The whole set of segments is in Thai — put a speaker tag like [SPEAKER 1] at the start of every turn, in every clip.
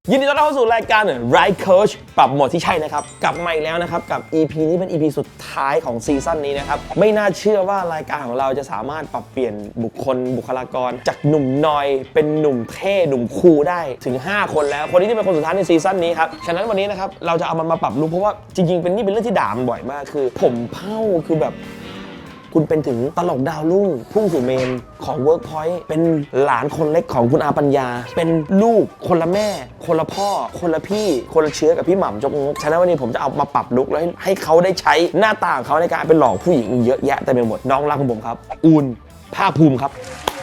[SPEAKER 1] ยินดีต้อนรับเข้าสู่รายการ Right Coach ปรับโหมดที่ใช่นะครับกลับมาอีกแล้วนะครับกับ EP นี้เป็น EP สุดท้ายของซีซั่นนี้นะครับไม่น่าเชื่อว่ารายการของเราจะสามารถปรับเปลี่ยนบุคลากรจากหนุ่มนอยเป็นหนุ่มเท่หนุ่มคูลได้ถึง5คนแล้วคนนี้ที่เป็นคนสุดท้ายในซีซั่นนี้ครับฉะนั้นวันนี้นะครับเราจะเอามันมาปรับลุคเพราะว่าจริงๆเป็นเรื่องที่ด่ามันบ่อยมากคือผมเผ้าคือแบบคุณเป็นถึงตลกดาวรุ่งพุ่งสู่เมนของ Workpoint เป็นหลานคนเล็กของคุณอาปัญญาเป็นลูกคนละแม่คนละพ่อคนละพี่คนละเชื้อกับพี่หม่ำจกงกฉะนั้นวันนี้ผมจะเอามาปรับลุคแล้วให้เขาได้ใช้หน้าตาของเขาในการเป็นหลอกผู้หญิงเยอะแยะเต็มไปหมดน้องรักของผมครับอูนภาคภูมิครับ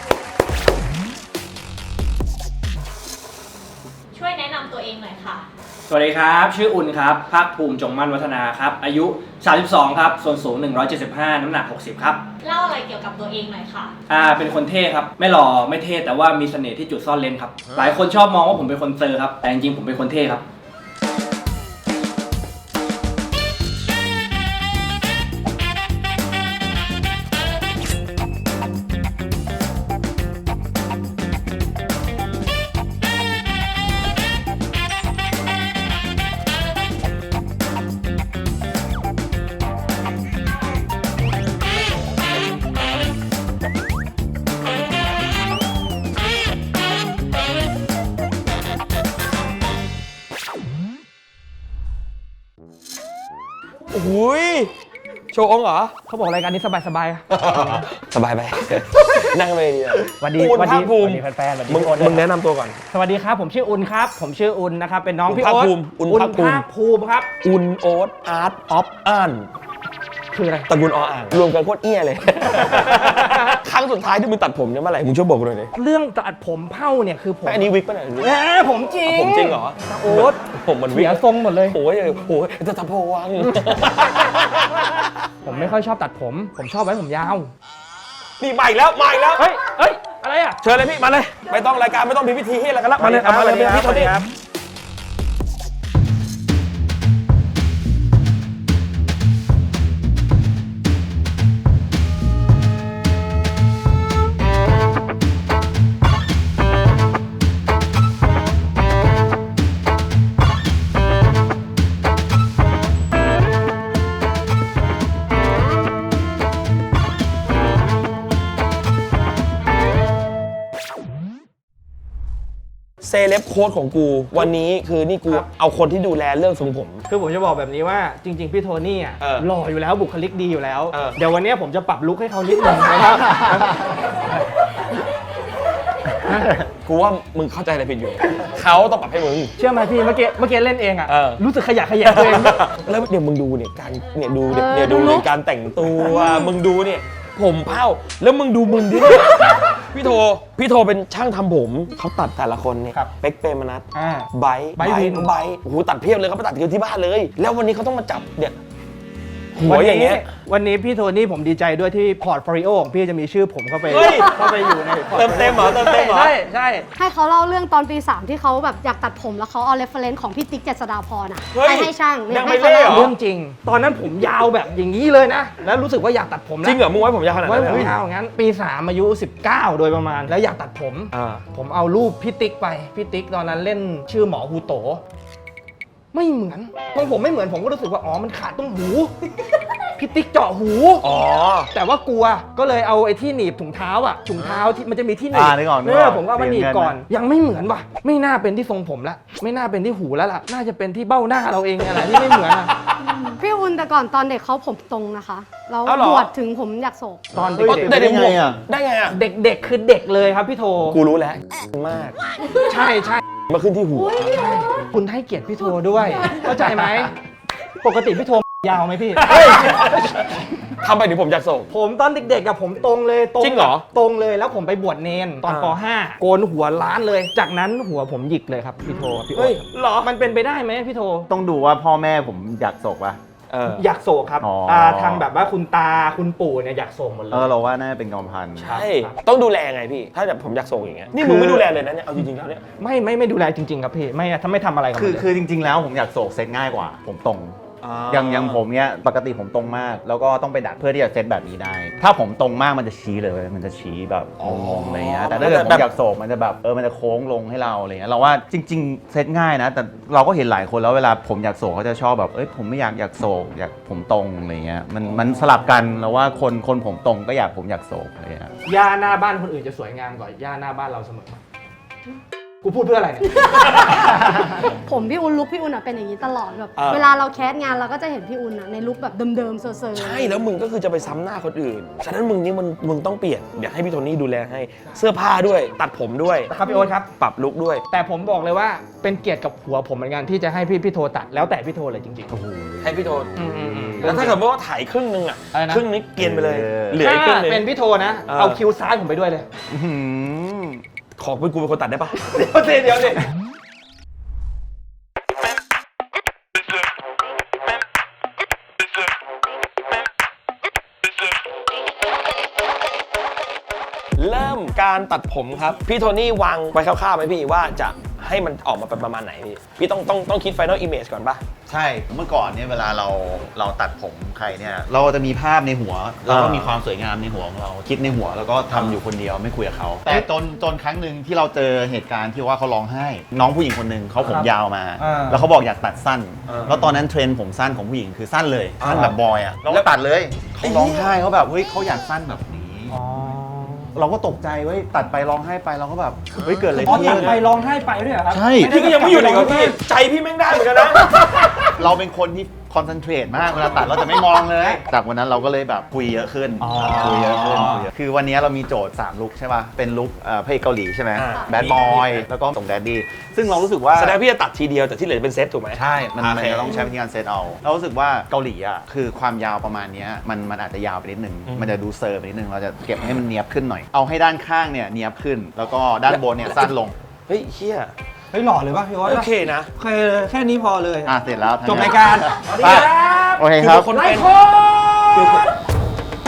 [SPEAKER 2] ช่วยแนะนำตัวเองหน่อยค่ะ
[SPEAKER 3] สวัสดีครับชื่ออุ่นครับภาคภูมิจงมั่นวัฒนาครับอายุ32ครับส่วนสูง175น้ำหนัก60ครับ
[SPEAKER 2] เล่าอะไรเกี่ยวกับตัวเองหน่อยค่ะ
[SPEAKER 3] เป็นคนเท่ครับไม่หล่อไม่เท่แต่ว่ามีเสน่ห์ที่จุดซ่อนเลนครับหลายคนชอบมองว่าผมเป็นคนเซอร์ครับแต่จริงๆผมเป็นคนเท่ครับ
[SPEAKER 1] โอ้ยโชว์องเหรอ
[SPEAKER 3] เขาบอกรายการนี้สบาย
[SPEAKER 1] สบายไป นั่งไปดี
[SPEAKER 3] สวัสดี
[SPEAKER 1] อุ่นภาคภูมิ
[SPEAKER 3] แฟนๆ
[SPEAKER 1] มึงแนะนำตัวก่อน
[SPEAKER 3] สวัสดีครับผมชื่ออุ่นครับผมชื่ออุ่นนะครับเป็นน้องพี่โอ๊ต
[SPEAKER 1] อุ่นภาคภูมิ
[SPEAKER 3] ครับ
[SPEAKER 1] อุ่นโอ๊ตอาร์ตออฟอ่าน
[SPEAKER 3] คืออะไร
[SPEAKER 1] ตระกูลออ่างรวมกันโคตรเอี้ยเลยครั้งสุดท้ายที่มึงตัดผมเนี่ยเมื่อไหร่มึงช่วยบอกกูหน่อยดิ
[SPEAKER 3] เรื่องตัดผมเผ้าเนี่ยคือผม
[SPEAKER 1] อันนี้วิกป่ะเนี่ย
[SPEAKER 3] ผมจริง
[SPEAKER 1] ผมจริงเหรอ
[SPEAKER 3] โอ๊ต
[SPEAKER 1] ผมมันวิก
[SPEAKER 3] เสียทรงหมดเลย
[SPEAKER 1] โอ้ยจะทำโพวัง
[SPEAKER 3] ผมไม่ค่อยชอบตัดผมชอบไว้ผมยาว
[SPEAKER 1] นี่มาอีกแล้ว
[SPEAKER 3] เฮ้ยอะไรอ่ะ
[SPEAKER 1] เชิญเลยพี่มาเลยไม่ต้องรายการไม่ต้องพิธีให้อะไรกันละมาเลยพี่โทนี่เซเลบโค้ดของกูวันนี้คือนี่กูเอาคนที่ดูแลเรื่องทรงผม
[SPEAKER 3] คือผมจะบอกแบบนี้ว่าจริงๆพี่โทนี่อ่ะหล่ออยู่แล้วบุคลิกดีอยู่แล้วเดี๋ยววันนี้ผมจะปรับลุคให้เขานิดหนึ่งนะครับ
[SPEAKER 1] กูว่ามึงเข้าใจอะไรผิดอยู่เขาต้องปรับให้มึง
[SPEAKER 3] เชื่อไหมพี่เมื่อกี้เล่นเองอ่ะรู้สึกขยะตัวเอง
[SPEAKER 1] แล้วเดี๋ยวมึงดูเนี่ยการเนี่ยดูเลยการแต่งตัวมึงดูเนี่ยผมเผ้าแล้วมึงดูมึงดิพี่โทเป็นช่างทำผมเขาตัดแต่ละคนเนี่ยเป๊กเปรมนัทไบโอ้โหตัดเพียบเลยเขาไปตัดกันที่บ้านเลยแล้ววันนี้เขาต้องมาจับเนี่ยหัวอย่างเงี้ย
[SPEAKER 3] วันนี้พี่โทนี่ผมดีใจด้วยที่พอร์ตโฟลิโอของพี่จะมีชื่อผมเข้าไปอยู่ใน
[SPEAKER 1] เติมเต็มเหรอ
[SPEAKER 3] ใช่
[SPEAKER 4] ให้เขาเล่าเรื่องตอนปี 3ที่เขาแบบอยากตัดผมแล้วเขาเอาเรฟเฟรนซ์ของพี่ติ๊กเจษฎาพรให้ช่าง
[SPEAKER 1] ยังไม่เล่
[SPEAKER 3] เรื่องจริงตอนนั้นผมยาวแบบอย่างนี้เลยนะแล้วรู้สึกว่าอยากตัดผม
[SPEAKER 1] จริงเหรอมึงไว้ผมยาวขนาดนั้น
[SPEAKER 3] ไว้ผมยาวงั้นปี 3อายุ19โดยประมาณแล้วอยากตัดผมเอารูปพี่ติ๊กไปพี่ติ๊กตอนนั้นเล่นชื่อหมอฮูโตไม่เหมือนของผมไม่เหมือนผมก็รู้สึกว่าอ๋อมันขาดตรงหูพี่ติ๊กเจาะหูแต่ว่ากลัวก็เลยเอาไอ้ที่หนีบถุงเท้าที่มันจะมีที่หนีบผมก็มาหนีบก่อนยังไม่เหมือนว่ะไม่น่าเป็นที่ทรงผมละไม่น่าเป็นที่หูแล้วล่ะน่าจะเป็นที่เบ้าหน้าเราเองอะไรที่ไม่เหมือนอ่ะ
[SPEAKER 4] พี่อุ่นแต่ก่อนตอนเด็กเขาผมตรงนะคะแล้วบวชถึงผมอยากโศก
[SPEAKER 3] ตอนเด็ก
[SPEAKER 1] ได้ไงอ่ะ
[SPEAKER 3] เด็กคือเด็กเลยครับพี่โท
[SPEAKER 1] กูรู้แล้วมาก
[SPEAKER 3] ใช่
[SPEAKER 1] มาขึ้นที่หู
[SPEAKER 3] คุณให้เกียรติพี่โทด้วยเข้าใจไหมปกติพี่โทยาวไหมพี่
[SPEAKER 1] ทำไปถึงผมอยากโศก
[SPEAKER 3] ผมตอนเด็กๆกับผมตรงเลย
[SPEAKER 1] จริงเหรอ
[SPEAKER 3] ตรงเลยแล้วผมไปบวชเนนตอนป .5 โกนหัวล้านเลยจากนั้นหัวผมหยิกเลยครับพี่โทพี่โอ๊ต
[SPEAKER 1] หรอ
[SPEAKER 3] มันเป็นไปได้ไหมพี่โท
[SPEAKER 5] ต้องดูว่าพ่อแม่ผมอยากโศกป่ะ
[SPEAKER 3] อยากโศกครับทางแบบว่าคุณตาคุณปู่เนี่ยอยากโศกหมดเลย
[SPEAKER 5] เราว่าน่าจะเป็นกรรมพันธุ์
[SPEAKER 1] ใช่ต้องดูแลไงพี่ถ้าแบบผมอยากโศกอย่างเงี้ยนี่มึงไม่ดูแลเลยนะเนี่ยเอาจริงๆแล้วเนี่ย
[SPEAKER 3] ไม่ดูแลจริงๆครับพี่ไม่ถ้าไม่ทำอะไรกับ
[SPEAKER 5] คือจริงๆแล้วผมอยากโศกเซ็ตง่ายกว่าผมตรงอย่างผมเนี้ยปกติผมตรงมากแล้วก็ต้องไปดัดเพื่อที่จะเซตแบบนี้ได้ ถ้าผมตรงมากมันจะชี้เลยมันจะชี้แบบงงๆอะไรเงี้ยแต่ถ้าเกิดผมอยากโศกมันจะแบบมันจะโค้งลงให้เราอะไรเงี้ยเราว่าจริงๆเซตง่ายนะแต่เราก็เห็นหลายคนแล้วเวลาผมอยากโศกเขาจะชอบแบบผมไม่อยากโศกอยากผมตรงอะไรเงี้ยมันสลับกันแล้วว่าคนผมตรงก็ผมอยากโศกอะไรเงี้ย
[SPEAKER 3] หญ้าหน้าบ้านคนอื่นจะสวยงามกว่าหญ้าหน้าบ้านเราเสมอกูพูดเพื่ออะไรเนี่ย
[SPEAKER 4] ผมพี่อุ่นลุคพี่อุ่นเป็นอย่างนี้ตลอดแบบ
[SPEAKER 1] อ่า
[SPEAKER 4] เวลาเราแคสงานเราก็จะเห็นพี่อุ่นในลุคแบบเดิมๆเซอร์ๆ
[SPEAKER 1] ใช่แล้วมึงก็คือจะไปซ้ำหน้าคนอื่น ฉะนั้นมึงต้องเปลี่ยน เดี๋ยวให้พี่โทนี่ดูแลให้เสื้อผ้าด้วย ตัดผมด้วย
[SPEAKER 3] ครับพี่โอ๊ตครับ
[SPEAKER 1] ปรับลุคด้วย
[SPEAKER 3] แต่ผมบอกเลยว่าเป็นเกียรติกับหัวผมเหมือนกันที่จะให้พี่โทตัดแล้วแต่พี่โทเลยจริงๆ
[SPEAKER 1] ให้พี่โท
[SPEAKER 3] อืม
[SPEAKER 1] แล้วถ้าเกิดว่าถ่ายครึ่งนึงอ่ะ
[SPEAKER 3] อะไรนะ
[SPEAKER 1] ครึ่งนี้เกรียนไปเลย เหลือ
[SPEAKER 3] ถ้า
[SPEAKER 1] อีกครึ่งนึง
[SPEAKER 3] เป็นพี่โทนะ
[SPEAKER 1] เออ
[SPEAKER 3] เอาคิวซ้ายผมไปด้วยเลย
[SPEAKER 1] ขอเป็นกูเป็นคนตัดได้ปะ
[SPEAKER 3] เดี๋ยวสิ
[SPEAKER 1] เริ่มการตัดผมครับ พี่โทนี่วางไว้คร่าวๆไหมพี่ว่าจะให้มันออกมาเป็นประมาณไหนพี่ต้องคิด Final Image ก่อนปะ
[SPEAKER 5] ใช่เมื่อก่อนเนี่ยเวลาเราตัดผมใครเนี่ยเราจะมีภาพในหัวเราก็มีความสวยงามในหัวของเราคิดในหัวแล้วก็ทำอยู่คนเดียวไม่คุยกับเขาแต่จนครั้งหนึ่งที่เราเจอเหตุการณ์ที่ว่าเขาร้องไห้ น้องผู้หญิงคนหนึ่งเขาผมยาวมา แล้วเขาบอกอยากตัดสั้น แล้วตอนนั้นเทรนด์ผมสั้นของผู้หญิงคือสั้นเลยสั้นแบบบอยอ่ะเราก็ตัดเลยเขาร้องไห้เขาแบบเฮ้ยเขาอยากสั้นแบบนี้เราก็ตกใจเว้ยตัดไปร้องไห้ไปเราก็แบบเฮ้ยเกิดอะไร
[SPEAKER 3] อ๋อ
[SPEAKER 5] ขึ้น
[SPEAKER 3] ตัดไปร้องไห้ไปด้วยเหรอครับ
[SPEAKER 5] ใช่
[SPEAKER 1] พี่ก็ยังไม่อยู่เลยกับพี่ใจพี่แม่งได้เหมือนกันนะ
[SPEAKER 5] เราเป็นคนที่คอนเซนเทรตมากเวลาตัดเราจะไม่มองเลย จากวันนั้นเราก็เลยแบบคุยเยอะขึ้น คุยเยอะขึ้นคือวันนี้เรามีโจทย์3ลุคใช่ป่ะ เป็นลุคพระเอกเกาหลีใช่ไหม
[SPEAKER 1] อ่า
[SPEAKER 5] แบดบอยแล้วก็ส่งแดดดี้ซึ่งเรารู้สึกว่า
[SPEAKER 1] แสดงพี่จะตัดทีเดียวแต่ที่เหลือเป็นเซตถูกไหม
[SPEAKER 5] ใช่มัน
[SPEAKER 1] โอเค
[SPEAKER 5] จะต้องใช้วิธีการเซตเอา เรารู้สึกว่าเกาหลีอ่ะคือความยาวประมาณเนี้ยมันอาจจะยาวไปนิดนึง มันจะดูเซอร์ไปนิดนึง เราจะเก็บให้มันเนียบขึ้นหน่อย เอาให้ด้านข้างเนี่ยเนียบขึ้น แล้วก็ด้านบนเนี่ยสั้นลง
[SPEAKER 1] เฮ้ยเฮีย
[SPEAKER 3] เฮ้ยหล่อเลยป่ะพี่โอ๊ต
[SPEAKER 1] โอเคนะ
[SPEAKER 3] โอเคเลยแค่นี้พอเลย
[SPEAKER 5] เสร็จแล้ว
[SPEAKER 3] จบรายการ
[SPEAKER 5] ไปโอเคครับ
[SPEAKER 1] คน
[SPEAKER 3] ไล
[SPEAKER 1] เป็น
[SPEAKER 3] ฟ์โค้ด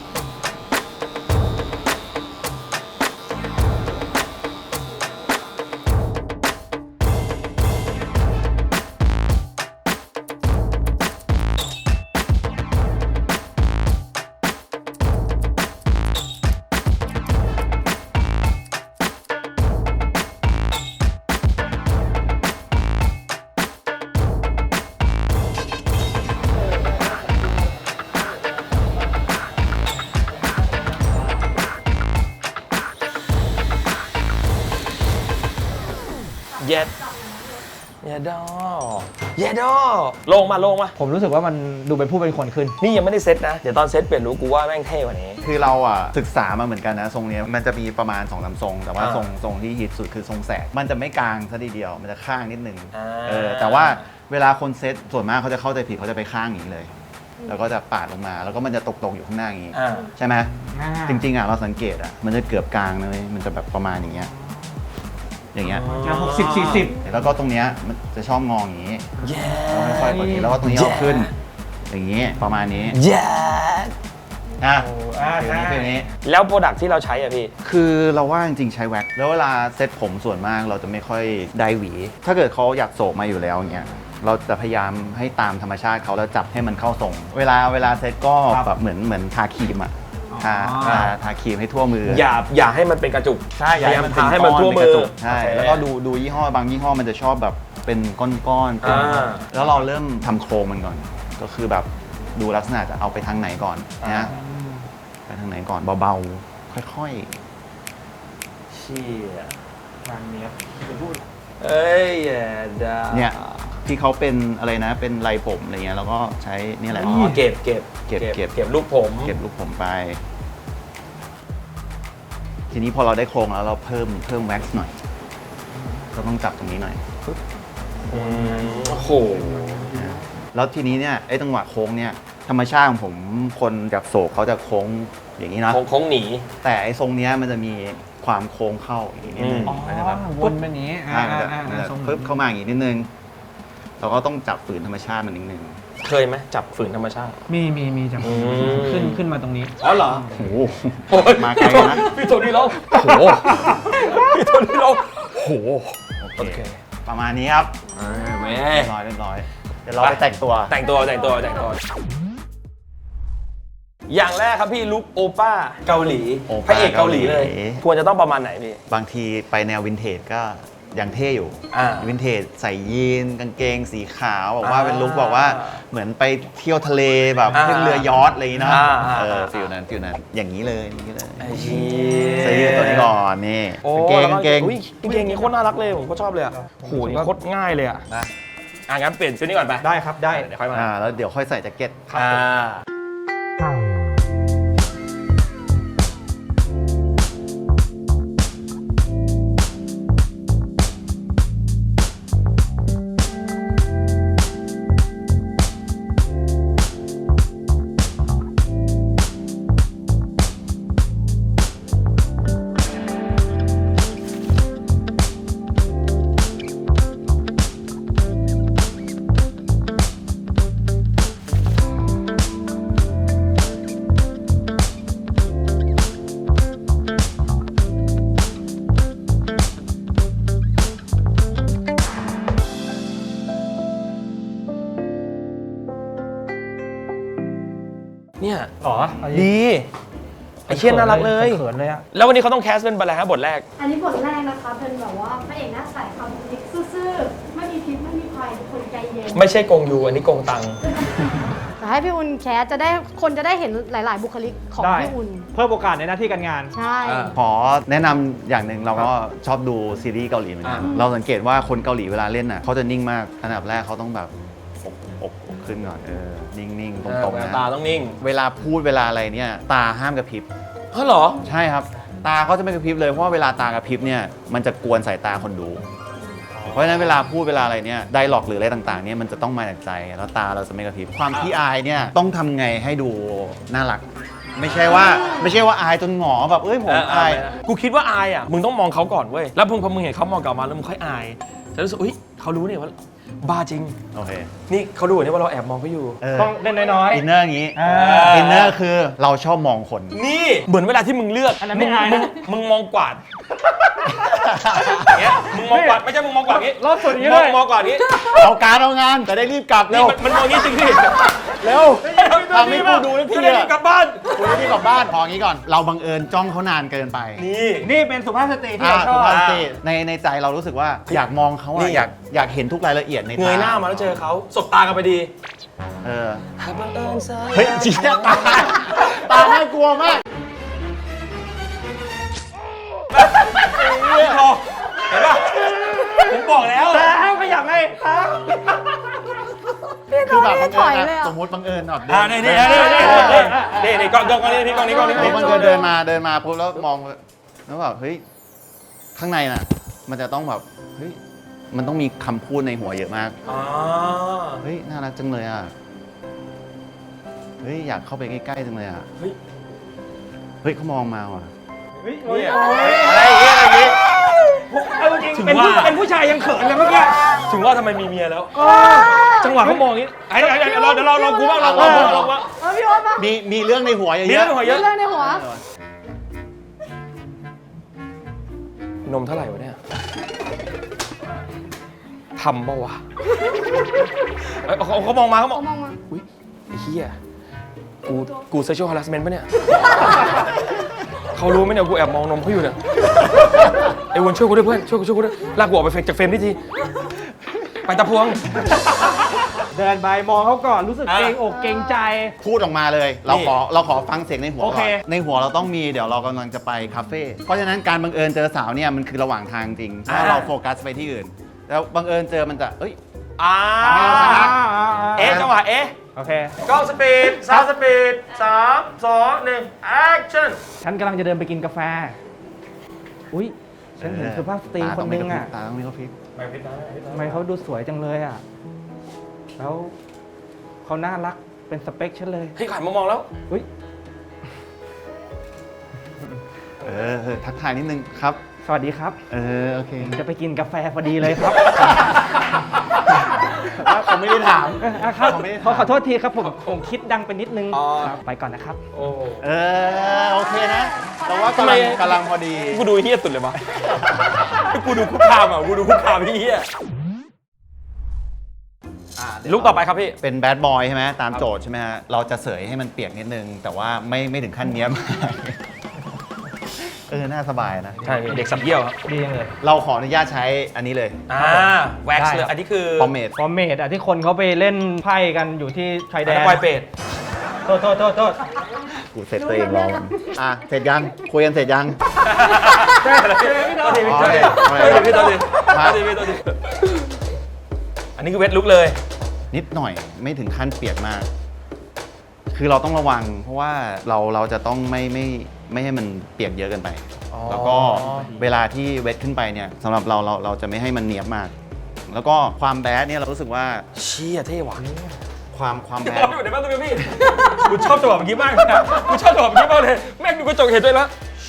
[SPEAKER 1] เย็ดเย็ดดอเย็ดดอลงมา
[SPEAKER 3] ผมรู้สึกว่ามันดูเป็นผู้เป็นคนขึ้น
[SPEAKER 1] นี่ยังไม่ได้เซตนะ เดี๋ยวตอนเซตเปลี่ยนรู้กูว่าแม่งเท่กว่านี้
[SPEAKER 5] คือเราอ่ะศึกษามาเหมือนกันนะทรงเนี้ยมันจะมีประมาณ2-3ทรง แต่ว่า
[SPEAKER 1] อ่า
[SPEAKER 5] ทรงที่ฮิตสุดคือทรงแสกมันจะไม่กลางซะทีเดียวมันจะข้างนิดนึง
[SPEAKER 1] อ่า
[SPEAKER 5] แต่ว่าเวลาคนเซตส่วนมากเขาจะเข้าใจผิดเขาจะไปข้างอย่างนี้เลย แล้วก็จะปาดลงมาแล้วก็มันจะตกๆอยู่ข้างหน้าอย่างนี้
[SPEAKER 1] อ่า
[SPEAKER 5] ใช่ไหม
[SPEAKER 3] อ่า
[SPEAKER 5] จริงๆอ่ะเราสังเกตอ่ะมันจะเกือบกลางเลยมันจะแบบประมาณอย่างเงี้ยอย่างเงี้ย
[SPEAKER 3] 60-40
[SPEAKER 5] แล้วก็ตรงเนี้ยมันจะชอบงออย่างนี้
[SPEAKER 1] เย็
[SPEAKER 5] แล้วค่อยๆกดนี้แล้วก็ตรงนี้เอาขึ้น อย่างนี้ประมาณนี้
[SPEAKER 1] เย็ด
[SPEAKER 5] อ่ะ
[SPEAKER 3] อ่า
[SPEAKER 5] คืออย่างนี้
[SPEAKER 1] แล้วโปรดักที่เราใช้อะพี่
[SPEAKER 5] คือเราว่าจริงๆใช้แว็กซ์แล้วเวลาเซ็ตผมส่วนมากเราจะไม่ค่อยได้หวี ถ้าเกิดเขาอยากโศกมาอยู่แล้วอย่างเงี้ยเราจะพยายามให้ตามธรรมชาติเขาแล้วจับให้มันเข้าทรง เวลาเซ็ตก็แบบเหมือนทาครีมอ่ะทาครีมให้ทั่วมือ
[SPEAKER 1] อย่าให้มันเป็นกระจุก
[SPEAKER 5] ใช่
[SPEAKER 1] พยายาม
[SPEAKER 5] เป็น
[SPEAKER 1] ทาให้มันทั่วมื
[SPEAKER 5] ก้
[SPEAKER 1] อ
[SPEAKER 5] เป็กระจุกใช่
[SPEAKER 1] โอเค
[SPEAKER 5] แล้วก็ดูยี่ห้อบางยี่ห้อมันจะชอบแบบเป็นก้อนๆเป็น
[SPEAKER 1] อ่า
[SPEAKER 5] แล้วเราเริ่มทำโครงมันก่อน ก็คือแบบดูลักษณะจะเอาไปทางไหนก่อนนะไปทางไหนก่อนเบาๆค่อยๆ
[SPEAKER 1] เชี่ย
[SPEAKER 3] นางเนี้ยเป็นผู้
[SPEAKER 1] เอ้ยแย่ดา
[SPEAKER 5] เนี่ยที่เขาเป็นอะไรนะเป็นไรผมอะไรเงี้ยเราก็ใช้นี่แหละ
[SPEAKER 1] อ๋อเก็บ
[SPEAKER 5] เก็บ
[SPEAKER 1] ลูกผม
[SPEAKER 5] เก็บลูกผมไป ทีนี้พอเราได้โครงแล้วเราเพิ่มแว็กซ์หน่อยเราต้องจับตรงนี้หน่อยปึ๊บ
[SPEAKER 1] โอ้โห
[SPEAKER 5] นะแล้วทีนี้เนี่ยไอ้จังหวะโค้งเนี่ยธรรมชาติของผมคนจากโศกเขาจะโค้งอย่างนี้นะ
[SPEAKER 1] โค้งหนี
[SPEAKER 5] แต่ไอ้ทรงเนี้ยมันจะมีความโค้งเข้าอย่างนี้นิดนึง
[SPEAKER 1] อืม
[SPEAKER 5] มันจะแบบ
[SPEAKER 3] วนแบบนี้
[SPEAKER 5] ใช่มันจะปึ๊บเข้ามาอย่างนี้นิดนึงเราก็ต้องจับฝืนธรรมชาติมันนิดนึง
[SPEAKER 1] เคยไหมจับฝืนธรรมชาติ
[SPEAKER 3] มีจัง
[SPEAKER 1] อืม
[SPEAKER 3] ขึ้นมาตรงนี้
[SPEAKER 1] อ๋อเหรอ
[SPEAKER 5] โอ้โหมาไกลนะ
[SPEAKER 1] พี่โทนี่ร้องโอ้โหพี่โทนี่ร้องโอ้โห
[SPEAKER 5] โอเคประมาณนี้ครับ
[SPEAKER 1] แม่
[SPEAKER 5] เรียบร้อยเดี๋ยวเราไปแต่งตัว
[SPEAKER 1] แต่งตัวอย่างแรกครับพี่ลุคโอป้าเกาหลี
[SPEAKER 5] โอป้า
[SPEAKER 1] พระเอกเกาหลีเลย
[SPEAKER 5] เกาหลี
[SPEAKER 1] ควรจะต้องประมาณไหนพี่
[SPEAKER 5] บางทีไปแนววินเทจก็ยังเท่อยู่
[SPEAKER 1] อ่า
[SPEAKER 5] วินเทจใส่ยีนกางเกงสีขาวบอกว่าเป็นลุคบอกว่าเหมือนไปเที่ยวทะเลแบบขึ้นเรือยอชต์อะไรอย่างงี้เนาะฟิลนั้นอย่างนี้เลย
[SPEAKER 1] ไอ้เชี่
[SPEAKER 5] เสื้อยืดตัวนี้ก่อนนี่
[SPEAKER 1] โอ้
[SPEAKER 5] กางเกง
[SPEAKER 1] อุ๊ยกางเกงนี้โคตรน่ารักเลยผมก็ชอบเลยอ่ะโหนี่โคตรง่ายเลยอ่ะนะงั้นเปลี่ยนชุดนี้ก่อนไป
[SPEAKER 3] ได้ครับได้
[SPEAKER 1] เดี๋ยวค่อยมา
[SPEAKER 5] แล้วเดี๋ยวค่อยใส่แจ็คเก็ต
[SPEAKER 1] เนี่ย
[SPEAKER 3] อ๋อ
[SPEAKER 1] ดีไอ้เชี่ยน่ารักเลย
[SPEAKER 3] เขินเลยอะ
[SPEAKER 1] แล้ววันนี้เขาต้องแคสเป็นอะไรฮะบทแรก
[SPEAKER 4] อันนี้บทแรกนะคะเป็นแบบว่าพระเอกหน้าใสคำพิกซื่อๆไม่มีพิษไม่มีภัยเป็นคนใจเย็น
[SPEAKER 1] ไม่ใช่กงยูอันนี้กงตัง
[SPEAKER 4] แต่ให้พี่อุ่นแคสจะได้คนจะได้เห็นหลาย ๆ บุคลิกของ
[SPEAKER 3] ได้
[SPEAKER 4] พี่อุ่น
[SPEAKER 3] เพิ่มโอกาสในหน้าที่การงาน
[SPEAKER 4] ใช่
[SPEAKER 5] ขอแนะนำอย่างหนึ่งเราก็ชอบดูซีรีส์เกาหลีเหมือนกันเราสังเกตว่าคนเกาหลีเวลาเล่นน่ะเขาจะนิ่งมากอันดับแรกเขาต้องแบบอกขึ้นก่อนนิ่งๆตรงๆนะ
[SPEAKER 1] ตาต้องนิ่ง
[SPEAKER 5] เวลาพูดเวลาอะไรเนี่ยตาห้ามกระพริบ
[SPEAKER 1] เฮ้ยเหรอ
[SPEAKER 5] ใช่ครับ ตาเขาจะไม่กระพริบเลยเพราะว่าเวลาตากระพริบเนี่ยมันจะกวนสายตาคนดู เพราะฉะนั้นเวลาพูดเวลาอะไรเนี่ยไดร็อกหรืออะไรต่างๆเนี่ยมันจะต้องมาจากใจแล้วตาเราจะไม่กระพริบความที่อายเนี่ยต้องทำไงให้ดูน่ารัก ไม่ใช่ว่าอายจนหงอแบบผมอาย
[SPEAKER 1] กูคิดว่าอายอ่ะมึงต้องมองเขาก่อนเว้ยแล้วพอมึงเห็นเขามองกลับมาแล้วมึงค่อยอายจะรู้สึกอุ้ยเขารู้เนี่ยว่าบ้าจริง
[SPEAKER 5] โอเค
[SPEAKER 1] นี่เขาดูเนี่ยว่าเราแอบมองเขาอยู่
[SPEAKER 3] ต้องเล่นน้อย
[SPEAKER 5] อินเนอร์อย่างนี้
[SPEAKER 3] อ่า
[SPEAKER 5] อินเนอร์คือเราชอบมองคน
[SPEAKER 1] นี่เหมือนเวลาที่มึงเลือก
[SPEAKER 3] อันนั้นไม่อายนะ
[SPEAKER 1] มึงมองกวาดอย่างเงี้ยมึงมองกวาดไม่ใช่มึงมองกวาดอย่างงี้
[SPEAKER 3] รอบส่วนนี้
[SPEAKER 1] ม
[SPEAKER 3] เล
[SPEAKER 1] อง
[SPEAKER 3] ย
[SPEAKER 1] มองกวาดอย่างงี้
[SPEAKER 5] เอาการเอางานจะได้รีบกลับเร็
[SPEAKER 1] นี่
[SPEAKER 5] ว
[SPEAKER 1] มันมองอย่างงี้จริงดิ
[SPEAKER 5] เร็วทำให้กูดูทุกที
[SPEAKER 1] จะได้รีบกลับบ้าน
[SPEAKER 5] กูได้รีบกลับบ้านพออย่างนี้ก่อน เราบังเอิญจ้องเขานานเกินไป
[SPEAKER 1] นี่
[SPEAKER 3] นี่เป็นสุภาพสตรีที่เราช
[SPEAKER 5] สุ
[SPEAKER 3] อบ
[SPEAKER 5] ภาพสตรีในใจเรารู้สึกว่าอยากมองเขา
[SPEAKER 1] นี่
[SPEAKER 5] อะอยากเห็นทุกรายละเอียดใน
[SPEAKER 1] เงยหน้ามาแล้วเจอเขาสบตากันไปดี
[SPEAKER 5] เออ
[SPEAKER 1] บังเอิญซะ
[SPEAKER 5] เฮ้ยจริงตาน่ากลัวมาก
[SPEAKER 1] เห็นป่ะผมบอกแล้ว
[SPEAKER 3] แต่ห้ามขยับเลยครับ
[SPEAKER 5] คือแบบบัง
[SPEAKER 4] ถอย
[SPEAKER 5] เอิญ
[SPEAKER 4] เลย
[SPEAKER 5] อะ
[SPEAKER 4] อะ
[SPEAKER 5] สมมติบังเอิญแบบ
[SPEAKER 1] นี่กล้องนี่กล้องนี้
[SPEAKER 5] บังเอิญเดินมาปุ๊บแล้วมองแล้วแบบเฮ้ยข้างในน่ะ มันจะต้องแบบเฮ้ยมันต้องมีคำพูดในหัวเยอะมาก
[SPEAKER 1] อ๋อ
[SPEAKER 5] เฮ้ยน่ารักจังเลยอ่ะเฮ้ยอยากเข้าไปใกล้ๆจังเลยอ่ะ
[SPEAKER 1] เฮ้ย
[SPEAKER 5] เฮ้ยเขามองมาว่ะ
[SPEAKER 1] เนี่ย
[SPEAKER 5] อะไรอย่างเงี้ย
[SPEAKER 3] เอาจริง
[SPEAKER 1] ถึง
[SPEAKER 3] เป็น
[SPEAKER 1] ว่า
[SPEAKER 3] เป็นผู้ชายยังเขินเลยเมื่อกี้
[SPEAKER 1] ถึงว่าทำไมมีเมียแล้ว จังหวะเขามองอย่างนี้เดี๋ยวเรากูบ้างเรากูบ้าง
[SPEAKER 4] พี่โอ๊ตมา
[SPEAKER 5] มีเรื่องในหัวเย
[SPEAKER 1] มี
[SPEAKER 5] อะ
[SPEAKER 1] เรื่องหัวเยอะ
[SPEAKER 4] เรื่องในหัว
[SPEAKER 1] นมเท่าไหร่วะเนี่ยทำป่าวะเขามองมา
[SPEAKER 4] เขามองมา
[SPEAKER 1] อุ้ยไอ้เหี้ยกูเซ็กชวลฮาร์สเมนต์ปะเนี่ยเขารู้ไหมเนี่ยกูแอบมองนมเขาอยู่เนี่ยไอ้วนช่วยกูด้วยเพื่อนช่วยกูด้วยลากกูออกไปจากเฟรมทีไปตะพวง
[SPEAKER 3] เดินไปมองเขาก่อนรู้สึกเกรงอกเกรงใจ
[SPEAKER 5] พูดออกมาเลย เราขอฟังเสียงในหัว
[SPEAKER 3] โอ
[SPEAKER 5] ก่
[SPEAKER 3] เค
[SPEAKER 5] อนในหัวเราต้องมีเดี๋ยวเรากำลังจะไปคาเฟ่เพราะฉะนั้นการบังเอิญเจอสาวเนี่ยมันคือระหว่างทางจริงถ้าเราโฟกัสไปที่อื่น แล้วบังเอิญเจอมันจะเอ้ย
[SPEAKER 1] จังหวะ
[SPEAKER 3] โอเค
[SPEAKER 1] กล้องสปีดซาวสปีด3 2 1 action
[SPEAKER 3] ฉันกำลังจะเดินไปกินกาแฟ อุ๊ย ฉันเห็นสุภาพสตรีคนนึงอ่ะ
[SPEAKER 5] ตาต้องมีกระพริบ
[SPEAKER 3] ทำไมเขาดูสวยจังเลยอ่ะ แล้วเขาน่ารักเป็นสเปคฉันเลย
[SPEAKER 1] เฮ้ยขายมามองแล้ว
[SPEAKER 3] อุ๊ย
[SPEAKER 5] ทักทายนิดนึงครับ
[SPEAKER 3] สวัสดีครับ
[SPEAKER 5] โอเค
[SPEAKER 3] จะไปกินกาแฟพอดีเลยครับ
[SPEAKER 5] ผมไม่ได้ถาม
[SPEAKER 3] ครับ
[SPEAKER 5] ผมไม่ได้ถาม
[SPEAKER 3] ขอโทษทีครับผมคิดดังไปนิดนึง
[SPEAKER 1] อ๋อ
[SPEAKER 3] ครับไปก่อนนะครับ
[SPEAKER 1] โอ้
[SPEAKER 5] โอเคนะแต่ว่ากำลังพอดี
[SPEAKER 1] กูดูเฮี้ยสุดเลยวะกูดูคุกคามอ่ะกูดูคุกคามพี่เฮี้ยลุกต่อไปครับพี่
[SPEAKER 5] เป็นแบดบอยใช่ไหมตามโจทย์ใช่ไหมฮะเราจะเสยให้มันเปียกนิดนึง แต่ว่าไม่ถึงขั้นเนี้ยมากน่าสบายนะ
[SPEAKER 1] ใช่เด็กสับเยี่ยวครับ
[SPEAKER 3] ดีจังเลย
[SPEAKER 5] เราขออนุญาตใช้อันนี้เลย
[SPEAKER 1] แว็กซ์
[SPEAKER 3] ได้
[SPEAKER 1] เลยอันนี้คือ
[SPEAKER 5] พอมเมด
[SPEAKER 3] ฟอร์เมดที่คนเขาไปเล่นไพ่กันอยู่ที่ชายแด
[SPEAKER 1] แด
[SPEAKER 3] น
[SPEAKER 1] นปลอยเป็ด
[SPEAKER 3] โทษ
[SPEAKER 5] กูเสร็จตัวเองรอมันเสร็จยังคุยกันเสร็จยัง
[SPEAKER 1] ตัวดี
[SPEAKER 5] อ๋อ
[SPEAKER 1] ตัวดี
[SPEAKER 5] โอเค
[SPEAKER 1] ตัวดี
[SPEAKER 5] มา
[SPEAKER 1] ตัวดีอันนี้คือเวทลุกเลย
[SPEAKER 5] นิดหน่อยไม่ถึงขั้นเปียกมาก คือเราต้องระวัง เพราะว่าเราจะต้องไม่ให้มันเปียกเยอะเกินไป แล้วก็เวลาที่เวทขึ้นไปเนี่ยสำหรับเราจะไม่ให้มันเนียบมาก แล้วก็ความแบดเนี่ยเรารู้สึกว่า
[SPEAKER 1] เชี่ยเท่ว่ะ
[SPEAKER 5] ความแบด
[SPEAKER 1] อยู่ในบ้านตัวพี่กูชอบจังหวะเมื่อกี้มากเลยกูชอบจังหวะเมื่อกี้มากเลยแม่งดูกระจกเห็นด้วยแล้ว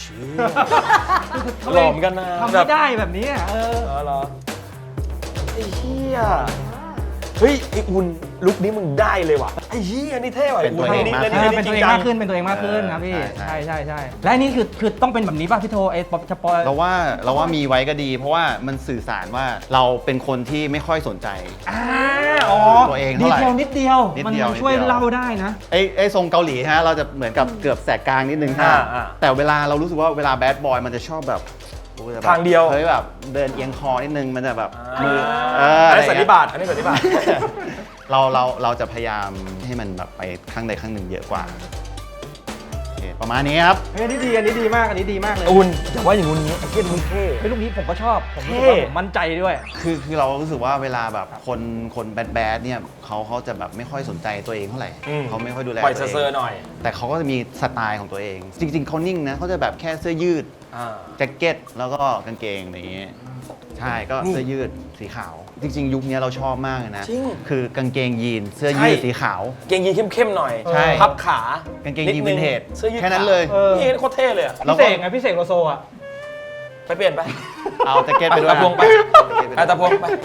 [SPEAKER 1] หล่อเหมือนกันนะ
[SPEAKER 3] ทำไม่ได้แบบนี้
[SPEAKER 1] เหรอไอ้เหี้ยเฮ้ยไอ้อุ่นลุคนี้มึงได้เลยว่ะไอ้เหี้ยนี่เท่ว่ะ
[SPEAKER 5] เป็นตัวเองมาก
[SPEAKER 3] เป็นตัวเองมากขึ้นเป็นตัวเองมากขึ้นครับพี่
[SPEAKER 5] ใช่
[SPEAKER 3] ใช่และอันนี้คือต้องเป็นแบบนี้ป่ะพี่โทไอ้สปอย
[SPEAKER 5] เราว่ามีไว้ก็ดี เพราะว่ามันสื่อสารว่าเราเป็นคนที่ไม่ค่อยสนใจ ตัวเอง
[SPEAKER 3] ดี
[SPEAKER 5] เท่าไหร่
[SPEAKER 3] เทลนิดเดียว
[SPEAKER 5] นิด
[SPEAKER 3] มัน
[SPEAKER 5] เดียว
[SPEAKER 3] ช่วย
[SPEAKER 5] นิดเดียว
[SPEAKER 3] เล่าได้นะ
[SPEAKER 5] ไอ้ทรงเกาหลีฮะเราจะเหมือนกับเกือบแสกกลางนิดนึงฮะแต่เวลาเรารู้สึกว่าเวลาแบดบอยมันจะชอบแบบโอ้ยแบบ
[SPEAKER 1] ทางเดียว
[SPEAKER 5] เฮ้ยแบบเดินเอียงคอนิดนึงมันจะแบบมือ
[SPEAKER 1] อันนี้
[SPEAKER 5] ะไร
[SPEAKER 1] สันนิ
[SPEAKER 5] เงี้ย
[SPEAKER 1] บาตอันนี้สันนิบาต
[SPEAKER 5] เราจะพยายามให้มันแบบไปข้างใดข้างหนึ่งเยอะกว่าโอเคประมาณนี้ครับ
[SPEAKER 3] อันนี้ดีมากเลย
[SPEAKER 1] อุ่นอย่าว่าอย่างงู้นนี้ไอ้เหี้ยมึงเท่
[SPEAKER 3] ไอ้ลูกนี้ผมก็ชอบผมรู้สึก
[SPEAKER 1] เท่
[SPEAKER 3] ว่าผมมั่นใจด้วย
[SPEAKER 5] คือเรารู้สึกว่าเวลาแบบคนแบดเนี่ยเขาจะแบบไม่ค่อยสนใจตัวเองเท่าไหร่เขาไม่ค่อยดูแล
[SPEAKER 1] ปล่อย
[SPEAKER 5] ตัว
[SPEAKER 1] เซอ
[SPEAKER 5] เอ
[SPEAKER 1] ร์
[SPEAKER 5] ง
[SPEAKER 1] ๆหน่อย
[SPEAKER 5] แต่เขาก็จะมีสไตล์ของตัวเอง จริง ๆเขานิ่งนะเขาจะแบบแค่เสื้อยืดแจ็คเก็ตแล้วก็กางเกงอะไรอย่างเงี้ยใช่ก็
[SPEAKER 1] นี่
[SPEAKER 5] เสื้อยืดสีขาว จริง ๆ ยุคนี้เราชอบมากเลยนะ
[SPEAKER 1] จริง
[SPEAKER 5] คือกางเกงยีนเสื้อยืด
[SPEAKER 1] ใช่
[SPEAKER 5] สีขาว
[SPEAKER 1] เกงยีนเข้มๆหน่อย
[SPEAKER 5] ใช่
[SPEAKER 1] พับขาก
[SPEAKER 5] างเกงยีนวินเทจ
[SPEAKER 1] เสื้อยืด
[SPEAKER 5] แค่นั้นเลย
[SPEAKER 1] นี่โคตรเท่เลยอะ
[SPEAKER 3] พี่เสกไงพี่เสกโลโซอ่ะ
[SPEAKER 1] ไปเปลี่ยนไป
[SPEAKER 5] เอาแจ็คเก็ตไปด้วย
[SPEAKER 1] ตะพวงไป
[SPEAKER 5] แจ็คเก็ตไปด้วย
[SPEAKER 1] ตะพวงไป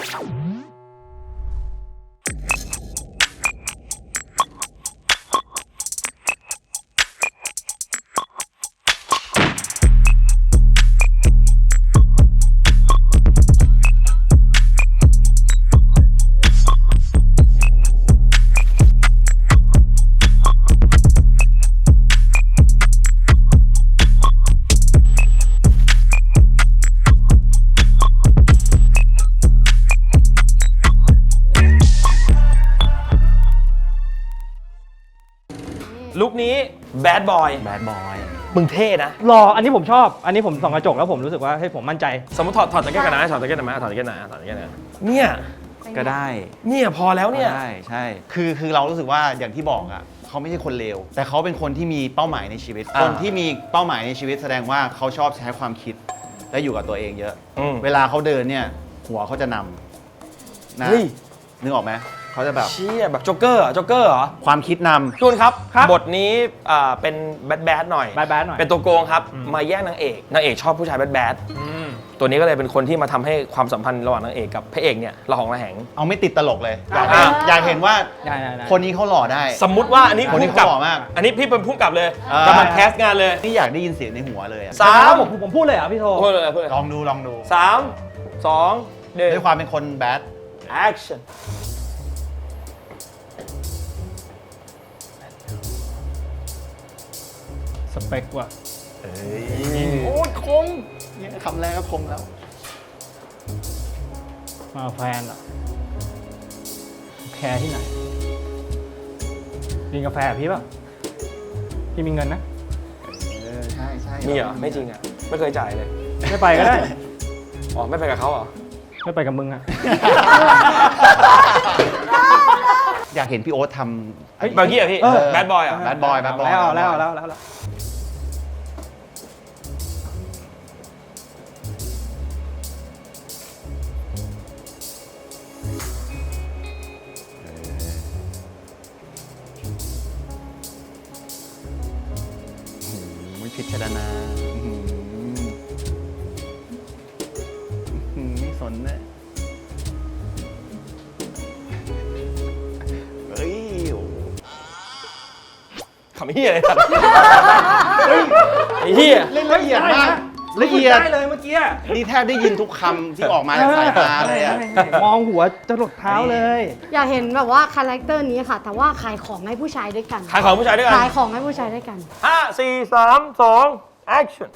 [SPEAKER 1] ลุคนี้แบดบอย
[SPEAKER 5] แบดบอย
[SPEAKER 1] มึงเท่นะ
[SPEAKER 3] รออันนี้ผมชอบ อันนี้ผมส่องกระจกแล้วผมรู้สึกว่าให้ยผมมั่นใจ
[SPEAKER 1] สมมติถอดแจ็คเก็ตกันนะถอดแจ็คเก็ตกันนะถอดแจ็คเก็ตนะถอดแจ็คเก็ตนะเนี่ย
[SPEAKER 5] ก็ได้
[SPEAKER 1] เนี่ยพอแล้วเนี่ย
[SPEAKER 5] ใช่คือเรารู้สึกว่าอย่างที่บอกอ่ะเขาไม่ใช่คนเลวแต่เขาเป็นคนที่มีเป้าหมายในชีวิต คนที่มีเป้าหมายในชีวิตแสดงว่าเขาชอบใช้ความคิดและอยู่กับตัวเองเยอะ
[SPEAKER 1] อืม
[SPEAKER 5] เวลาเขาเดินเนี่ยหัวเขาจะนำนะ
[SPEAKER 1] เฮ้ย
[SPEAKER 5] นึกออกไหมเขาจะแบบ
[SPEAKER 1] เชี่ยแบบโจ๊กเกอร์โจ๊กเกอร์เหรอ
[SPEAKER 5] ความคิดน
[SPEAKER 1] ทุกคนครับ
[SPEAKER 3] ครับ
[SPEAKER 1] บทนี้เป็นแบดหน่อย
[SPEAKER 3] แบดหน่อย
[SPEAKER 1] เป็นตัวโกงครับ มาแย่งนางเอกชอบผู้ชายแบดตัวนี้ก็เลยเป็นคนที่มาทำให้ความสัมพันธ์ระหว่างนางเอกกับพระเอกเนี่ยระหองระแหง
[SPEAKER 5] ำเอาไม่ติดตลกเลย
[SPEAKER 1] อ่ะ
[SPEAKER 5] อยากเห็นว่า
[SPEAKER 3] ได้
[SPEAKER 5] คนนี้เขาหล่อได้
[SPEAKER 1] สมมุติว่าอันนี้
[SPEAKER 5] คนนี้
[SPEAKER 1] ผู้กำกับ
[SPEAKER 5] เขาหล่อมาก
[SPEAKER 1] อันนี้พี่เป็นผู้กำกับเลย
[SPEAKER 5] อ่า
[SPEAKER 1] กำลังแคสต์งานเลย
[SPEAKER 5] นี่อยากได้ยินเสียงในหัวเลยอะ
[SPEAKER 1] สาม
[SPEAKER 3] ผมพูดเลยเหรอพี่โท
[SPEAKER 1] พูดเลยพูดเลย
[SPEAKER 5] ลองดู
[SPEAKER 1] สามสองหนึ่ง
[SPEAKER 5] ด้วยความเป็นคนแบด
[SPEAKER 1] action
[SPEAKER 3] สเปคว่ะ
[SPEAKER 5] โอ้ยคมเนี่ยคำแรกก็คมแล้ว
[SPEAKER 3] มาแฟนเหรอแคร์ที่ไหนกินกาแฟกับพี่ป่ะพี่มีเงินนะ
[SPEAKER 5] ใช่
[SPEAKER 1] มีเหรอไม่จริงอ่ะไม่เคยจ่ายเลย
[SPEAKER 3] ไม่ไปก็ได้
[SPEAKER 1] อ๋อไม่ไปกับเขาเหรอ
[SPEAKER 3] ไม่ไปกับมึงอะ
[SPEAKER 5] อยากเห็นพี่โอ๊ตทำ
[SPEAKER 1] บางทีอ่ะพี่
[SPEAKER 3] เออ
[SPEAKER 1] แบดบอยอ่ะ
[SPEAKER 5] Bad Boy
[SPEAKER 3] แล้ว
[SPEAKER 5] ไม่พิจารณาไม่สนเลยเฮ้ย
[SPEAKER 1] ขำไอ้เหี้ยอะไรสัตว์ไอ้เหี้ย
[SPEAKER 5] เล่นละเอียดมากละเอียด
[SPEAKER 3] ได้เลยเมื่อกี้
[SPEAKER 5] นี่แทบได้ยินทุกคำที่ออกมาจากสายตาเลยอะ
[SPEAKER 3] มองหัวจะหลดเท้าเลย
[SPEAKER 4] อยากเห็นแบบว่าคาแรคเตอร์นี้ค่ะ แต่ว่าขายของให้ผู้ชายด้วยกัน
[SPEAKER 1] ขายของผู้ชายด้วยกัน
[SPEAKER 4] ขายของให้ผู้ชายด้วยกัน
[SPEAKER 1] 5 4 3 2 action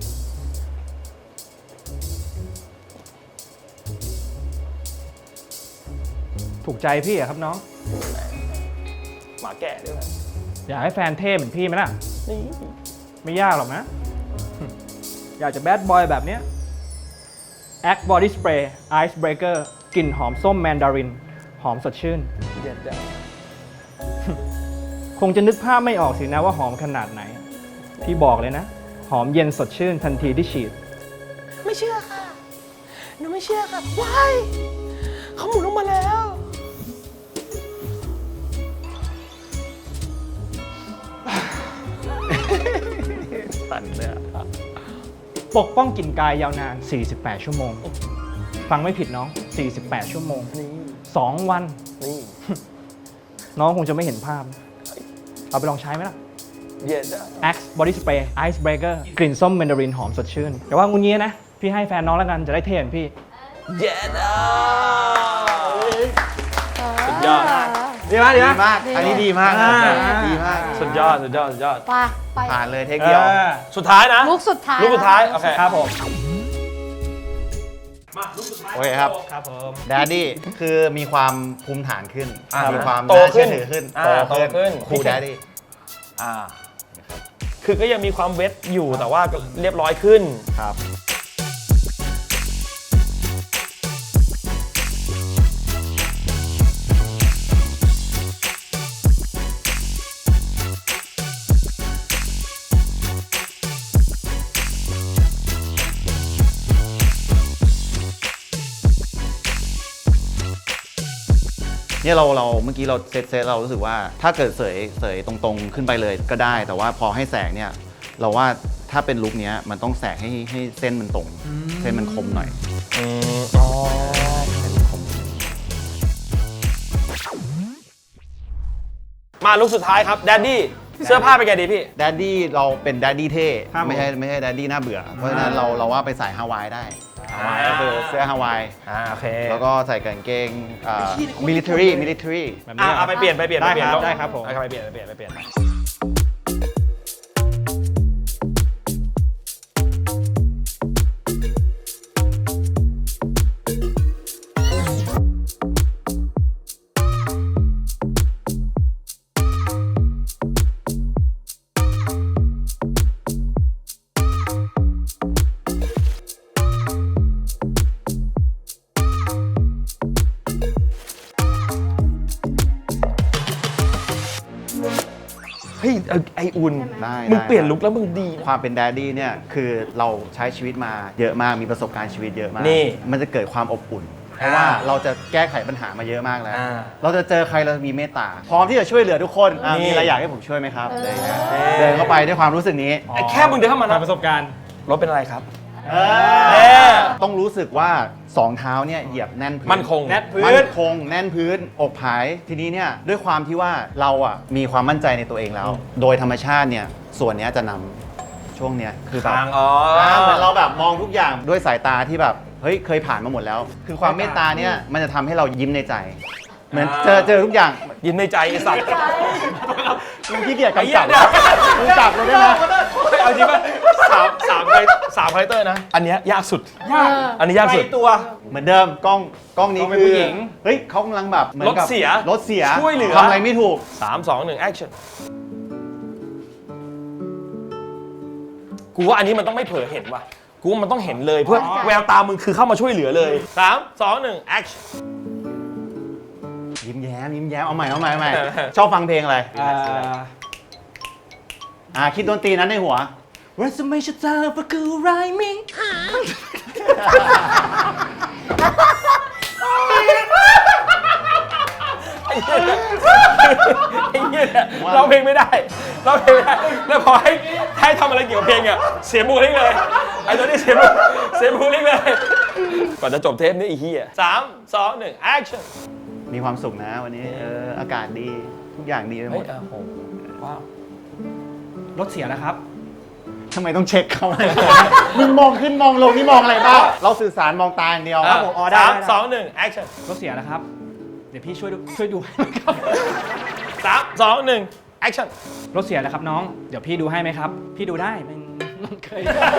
[SPEAKER 3] ถูกใจพี่อะครับน้อง
[SPEAKER 1] หมาแก่ด้วยนะ
[SPEAKER 3] อยากให้แฟนเท่เหมือนพี่ไหมล่ะ
[SPEAKER 1] นี่
[SPEAKER 3] ไม่ยากหรอกนะ อยากจะแบดบอยแบบเนี้ย Axe Body Spray Ice Breaker กลิ่นหอมส้มแมนดาริน หอมสดชื่น
[SPEAKER 1] เด็ดจัง
[SPEAKER 3] คงจะนึกภาพไม่ออกสินะว่าหอมขนาดไหน พี่บอกเลยนะ หอมเย็นสดชื่นทันทีที่ฉีด
[SPEAKER 1] ไม่เชื่อค่ะ หนูไม่เชื่อค่ะว้ายเขาหมุนออกมาแล้ว ตันเลยอะ
[SPEAKER 3] ปกป้องกลิ่นกายยาวนาน 48 ชั่วโมง ฟังไม่ผิดน้อง 48 ชั่วโมง
[SPEAKER 1] นี่
[SPEAKER 3] 2 วัน
[SPEAKER 1] นี่
[SPEAKER 3] น้องคงจะไม่เห็นภาพ เอาไปลองใช้ไหมล่ะ
[SPEAKER 1] เย็ดอะ
[SPEAKER 3] Axe Body Spray Ice Breaker กลิ่นส้มแมนดารินหอมสดชื่น แต่ว่างูงี้นะ พี่ให้แฟนน้องแล้วกันจะได้เท่เหมือนพี่
[SPEAKER 1] เย็ดอะสุดยอด
[SPEAKER 3] ดีไหมดี
[SPEAKER 5] ดี
[SPEAKER 3] ไหม
[SPEAKER 5] มาก อันนี้ดีมาก
[SPEAKER 3] อ่า
[SPEAKER 5] ดีมาก
[SPEAKER 1] สุดยอด สุดยอด สุดยอด
[SPEAKER 4] ไปไป
[SPEAKER 5] ผ่านเลยเทคเดียว
[SPEAKER 1] สุดท้ายนะ
[SPEAKER 4] ลุกสุดท้าย
[SPEAKER 1] ลูกสุดท้าย โอเค
[SPEAKER 3] ครับผม
[SPEAKER 5] โอเคครับ
[SPEAKER 3] ครับผม
[SPEAKER 5] แดดดี้คือมีความภูมิฐานขึ้น
[SPEAKER 1] อ่ามี
[SPEAKER 5] มีความ
[SPEAKER 1] โต
[SPEAKER 5] น่า
[SPEAKER 1] ขึ้
[SPEAKER 5] เชื่อน ถือขึ้น
[SPEAKER 1] โตขึ้น
[SPEAKER 5] ครูแดดดี้
[SPEAKER 1] อ่า คือก็ยังมีความเวทอยู่แต่ว่าก็เรียบร้อยขึ้น
[SPEAKER 5] ครับ เนี่ยเราเมื่อกี้เราเซตเรารู้สึกว่าถ้าเกิดเสยตรงๆขึ้นไปเลยก็ได้ แต่ว่าพอให้แสงเนี่ยเราว่าถ้าเป็นลุคเนี้ยมันต้องแสกให้เส้นมันตรง เส้นมันคมหน่อย
[SPEAKER 1] อ๋อ
[SPEAKER 5] เส้นมันคม
[SPEAKER 1] มาลุกสุดท้ายครับ แดดดี้ เสื้อผ้าเป็นไงดีพี่
[SPEAKER 5] แดดดี้เราเป็นแดดดี้เท่
[SPEAKER 3] ครับผม
[SPEAKER 5] ไม่ใช่แดดดี้น่าเบื่อ เพราะฉะนั้นเราว่าไปสายฮาวายได้ฮาวายก็คือเสื้อฮาวาย
[SPEAKER 1] โอเค
[SPEAKER 5] แล้วก็ใส่กางเกงmilitary
[SPEAKER 3] แบบนี้
[SPEAKER 1] เอาไปเปลี่ยนไปเปลี่ยน
[SPEAKER 3] ได้
[SPEAKER 1] ไปเปลี่ยน
[SPEAKER 3] ครับได้ครับผม
[SPEAKER 1] เอาไปเปลี่ยนไปเปลี่ยนไปเปลี่ยน เฮ้ยไออุ่น
[SPEAKER 5] ได้
[SPEAKER 1] มึง
[SPEAKER 5] ได้
[SPEAKER 1] เปลี่ยนลุคแล้วมึงดี
[SPEAKER 5] ความเป็นแดดดี้เนี่ยคือเราใช้ชีวิตมาเยอะมากมีประสบการณ์ชีวิตเยอะมาก
[SPEAKER 1] นี่
[SPEAKER 5] มันจะเกิดความอบอุ่น เพราะว่าเราจะแก้ไขปัญหามาเยอะมากแล้ว เราจะเจอใครเรามีเมตตา พร้อมที่จะช่วยเหลือทุกคนมีอะไรอยากให้ผมช่วยไหมครับอะไรอย่างเงี้ยเดินเข้าไปด้วยความรู้สึกนี้
[SPEAKER 1] ไอแค่มึงเดินเข้ามา
[SPEAKER 3] ผ่า
[SPEAKER 1] นะ
[SPEAKER 3] นประสบการณ์
[SPEAKER 1] รถเป็นอะไรครับ
[SPEAKER 5] ต้องรู้สึกว่าสองเท้าเนี่ยเหยียบแน่นพื้น
[SPEAKER 1] มั่นคง
[SPEAKER 3] แน่นพื้น
[SPEAKER 5] มั่นคงแน่นพื้นอกผายทีนี้เนี่ยด้วยความที่ว่าเราอ่ะมีความมั่นใจในตัวเองแล้ว โดยธรรมชาติเนี่ยส่วนเนี้ยจะนำช่วงเนี้ยคือแบบ
[SPEAKER 1] ทางอ๋อ
[SPEAKER 5] เหมือนเราแบบมองทุกอย่างด้วยสายตาที่แบบเฮ้ยเคยผ่านมาหมดแล้ว คือความเมตตาเนี่ยมันจะทำให้เรายิ้มในใจ เหมือนเจอทุกอย่าง
[SPEAKER 1] ยิ้มในใจไอสัตว์
[SPEAKER 5] มึงขี้เกียจ
[SPEAKER 1] ไอ้เหี้
[SPEAKER 5] กำ
[SPEAKER 1] ย
[SPEAKER 5] กับมึงจับเลยได้ไหม
[SPEAKER 1] เอาจริงป่ะสามคาแรคเตอร์นะ อันเนี้ยยากสุด
[SPEAKER 4] ยาก
[SPEAKER 1] อันนี้ยากสุด
[SPEAKER 3] ตัว
[SPEAKER 5] เหมือนเดิมกล้องนี้
[SPEAKER 3] กล้องเป็น
[SPEAKER 5] คือ
[SPEAKER 3] ผู้หญิง
[SPEAKER 5] เฮ้ยเขากำลังแบบหมือนกับ
[SPEAKER 1] รถเสีย
[SPEAKER 5] รถเสีย
[SPEAKER 1] ช่วยเหลือ
[SPEAKER 5] ทำอะไรไม่ถูก
[SPEAKER 1] 3 2 1 action กูว่าอันนี้มันต้องไม่เผลอเห็นว่ะ กูว่ามันต้องเห็นเลยเพื่อแววตามึงคือเข้ามาช่วยเหลือเลย 3 2 1 action
[SPEAKER 5] ยิ้มแย้มเอาใหม่ชอบฟังเพลงอะไรคิดดนตรีนั้นในหัว
[SPEAKER 3] Resume ชัดเจนประกู rhyming
[SPEAKER 1] ไอ้เหี้ยเนี่ยร้องเพลงไม่ได้ร้องเพลงไม่ได้ แล้วพอให้ทำอะไรเกี่ยวกับเพลงอ่ะเสียบูลลิกเลย ไอ้ตัวนี้เสียบูลลิกเลย ก่อนจะจบเทปนี้ไอ้เหี้ย3 2 1 action
[SPEAKER 5] มีความสุขนะวันนี้อากาศดีทุกอย่างดีไปหม
[SPEAKER 1] เฮ้ย
[SPEAKER 5] ด
[SPEAKER 1] โอ้โหว้าว
[SPEAKER 3] รถเสียนะครับ
[SPEAKER 5] ทำไมต้องเช็คเขา มึงมองขึ้นมองลงนี่มองอะไรบ้างเราสื่อสารมองตาอย่างเดียว
[SPEAKER 3] ครับผมอ๋อได้
[SPEAKER 1] สาม
[SPEAKER 3] ได้
[SPEAKER 1] สองหนึ่งแอคชั่น
[SPEAKER 3] รถเสียนะครับ เดี๋ยวพี่ช่วยดูให้ไหมครับ
[SPEAKER 1] 3 2 1แอคชั่น
[SPEAKER 3] รถเสียแล้วครับน้อง เดี๋ยวพี่ดูให้ไหมครับ พี่ดูได้มันเคย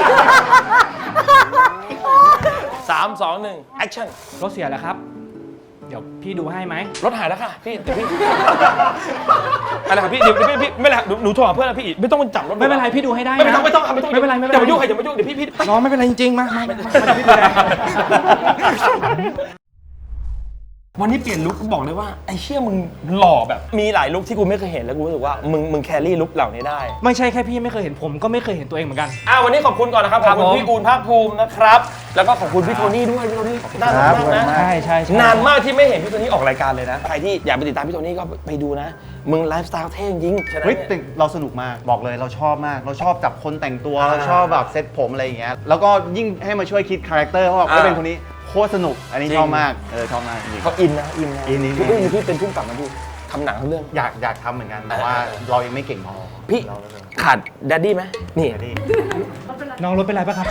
[SPEAKER 1] 3 2 1แอคชั่น
[SPEAKER 3] รถเสียแล้วครับ เดี๋ยวพี่ดูให้ไหม
[SPEAKER 1] รถหายแล้วค่ะพี่เดี๋ยวพี่อะไรครับพี่เดี๋ยวพี่ไม่เป็นไรหนูโทรหาเพื่อนแล้วพี่ไม่ต้องจับรถ
[SPEAKER 3] ไม่เป็นไรพี่ดูให้ได้
[SPEAKER 1] ไม่
[SPEAKER 3] นะ
[SPEAKER 1] ต้องครับไม่ต้อง
[SPEAKER 3] ไม่เป็นไรไม่เป็นไร
[SPEAKER 1] อย่ามายุ่งใครอย่ามายุ่งเดี๋ยวพี่
[SPEAKER 3] น้องไม่เป็นไรจริงๆมาเดี๋ยวพี่ดูแล
[SPEAKER 1] วันนี้เปลี่ยนลุคบอกเลยว่าไอ้เชี่ยมึงหล่อแบบมีหลายลุคที่กูไม่เคยเห็นแล้วกูรู้สึกว่ามึงแครี่ลุคเหล่านี้ได้
[SPEAKER 3] ไม่ใช่แค่พี่ไม่เคยเห็นผมก็ไม่เคยเห็นตัวเองเหมือนกัน
[SPEAKER 1] วันนี้ขอบคุณก่อนนะครับข
[SPEAKER 3] ครั
[SPEAKER 1] อบบ คุณ
[SPEAKER 3] ผม
[SPEAKER 1] พี่อูนภาคภูมินะครับแล้วก็ขอบคุณพี่โทนี่ด้วยพี่โทนี่น่ารักมากนะ
[SPEAKER 3] ใช่
[SPEAKER 1] นานมากที่ไม่เห็นพี่โทนี่ออกรายการเลยนะใครที่อยากไปติดตามพี่โทนี่ก็ไปดูนะมึงไลฟ์สไตล์เท่จริงฉะนั้น
[SPEAKER 5] เฮ้ย
[SPEAKER 1] เนี่ย
[SPEAKER 5] แต่เราสนุกมากบอกเลยเราชอบมาก เราชอบจับคนแต่งตัวเราชอบแบบเซ็ตผมอะไรอย่างเงี้ยแล้วก็ยิ่งให้มาช่วยคิดคาแรคเตอร์ว่าเขาเป็นคนนี้โคตรสนุกอันนี้
[SPEAKER 1] จริง
[SPEAKER 5] ชอบมากชอบมากจริง
[SPEAKER 1] เขาอินนะอินนะ
[SPEAKER 5] อิน
[SPEAKER 1] พี่พี่เป็นผู้กำกับนะพี่ทำหนังทั้งเรื่อง
[SPEAKER 5] อยากทำเหมือนกันแต่ว่าเรายังไม่เก่งพอ
[SPEAKER 1] พี่
[SPEAKER 5] เรา
[SPEAKER 1] ขาดแดดดี้ไหมนี่
[SPEAKER 5] ไม่ได้
[SPEAKER 3] น้องรถเป็นไรปะครับ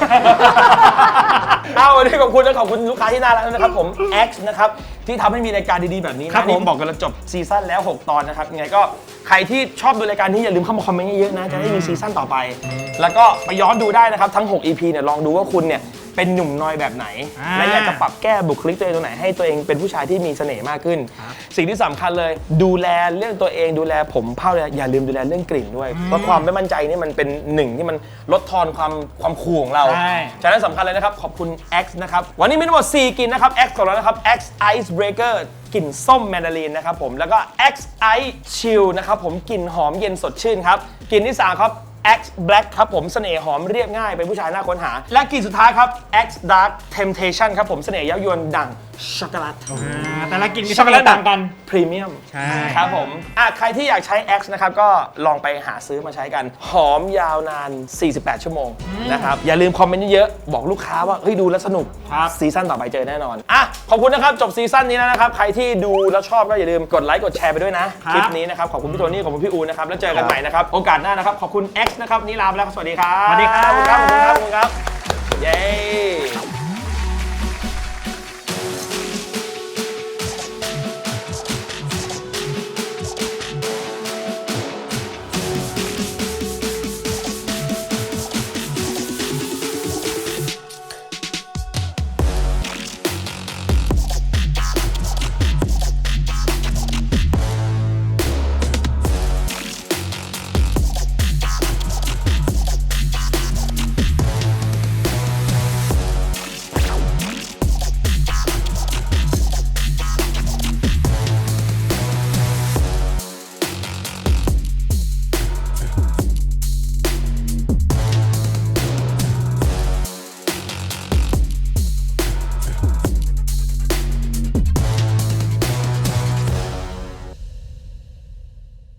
[SPEAKER 1] วันนี้ขอบคุณนะขอบคุณลูกค้าที่น่ารักนะครับผม X นะครับที่ทำให้มีรายการดีๆแบบนี้
[SPEAKER 3] ครั
[SPEAKER 1] นะ
[SPEAKER 3] บผม
[SPEAKER 1] นี่บอกกันแล้วจบซีซั่นแล้ว 6 ตอนนะครับยังไงก็ใครที่ชอบดูรายการนี้อย่าลืมเข้ามาคอมเมนต์เยอะๆนะจะได้มีซีซั่นต่อไป แล้วก็ไปย้อนดูได้นะครับทั้ง 6 EP เนี่ยลองดูว่าคุณเนี่ยเป็นหนุ่มน้อยแบบไหน และอยากจะปรับแก้บุคลิกตัวเองตรงไหนให้ตัวเองเป็นผู้ชายที่มีเสน่ห์มากขึ้น สิ่งที่สำคัญเลยดูแลเรื่องตัวเองดูแลผมเผ้าเลยอย่าลืมดูแลเรื่องกลิ่นด้วยเพราะความไม่มั่นใจนี่มันเป็นหนึ่งที่มันลดทอนความคูลของเรา
[SPEAKER 3] ใช่
[SPEAKER 1] ฉะนั้นสำคัญเลยนะครับ ขอบคุณ X นะครับ วันนี้มีทั้งหมด 4กลิ่นนะครับ X ของเรานะครับ X Ice Breaker กลิ่นส้มแมนดารินนะครับผมแล้วก็ X Ice Chill นะครับผมกลิ่นหอมเย็นสดชื่นครับกลิ่นที่ 3 ครับ X Black ครับผมเสน่ห์หอมเรียบง่ายเป็นผู้ชายน่าค้นหา และกลิ่นสุดท้ายครับ X Dark Temptation ครับผมเสน่ห์เย้ายวนดั่งช็อกโกแลต
[SPEAKER 3] แต่ละกินมี
[SPEAKER 1] ช็อกโกแลต
[SPEAKER 3] ต่างกัน
[SPEAKER 1] พรีเมียม
[SPEAKER 3] ใช่
[SPEAKER 1] ครับผมใครที่อยากใช้ X นะครับก็ลองไปหาซื้อมาใช้กัน หอมยาวนาน 48 ชั่วโมงนะครับอย่าลืมคอมเมนต์เยอะๆบอกลูกค้าว่าเฮ้ยดูแล้วสนุก
[SPEAKER 3] ครับ
[SPEAKER 1] ซีซั่นต่อไปเจอแน่นอนขอบคุณนะครับจบซีซั่นนี้แล้วนะครับใครที่ดูแล้วชอบก็อย่าลืมกดไลค์กดแชร์ไปด้วยนะคลิปนี้นะครับขอบคุณพี่โทนี่ขอบคุณพี่อูนะครับแล้วเจอกันใหม่นะครับโอกาสหน้านะครับขอบคุณ X นะครับนี่ลาไปแล้วครับสวัสดีครับ
[SPEAKER 3] สวัสดีครับ
[SPEAKER 1] ขอบคุณครับขอบคุณครับขอบคุณครับเย้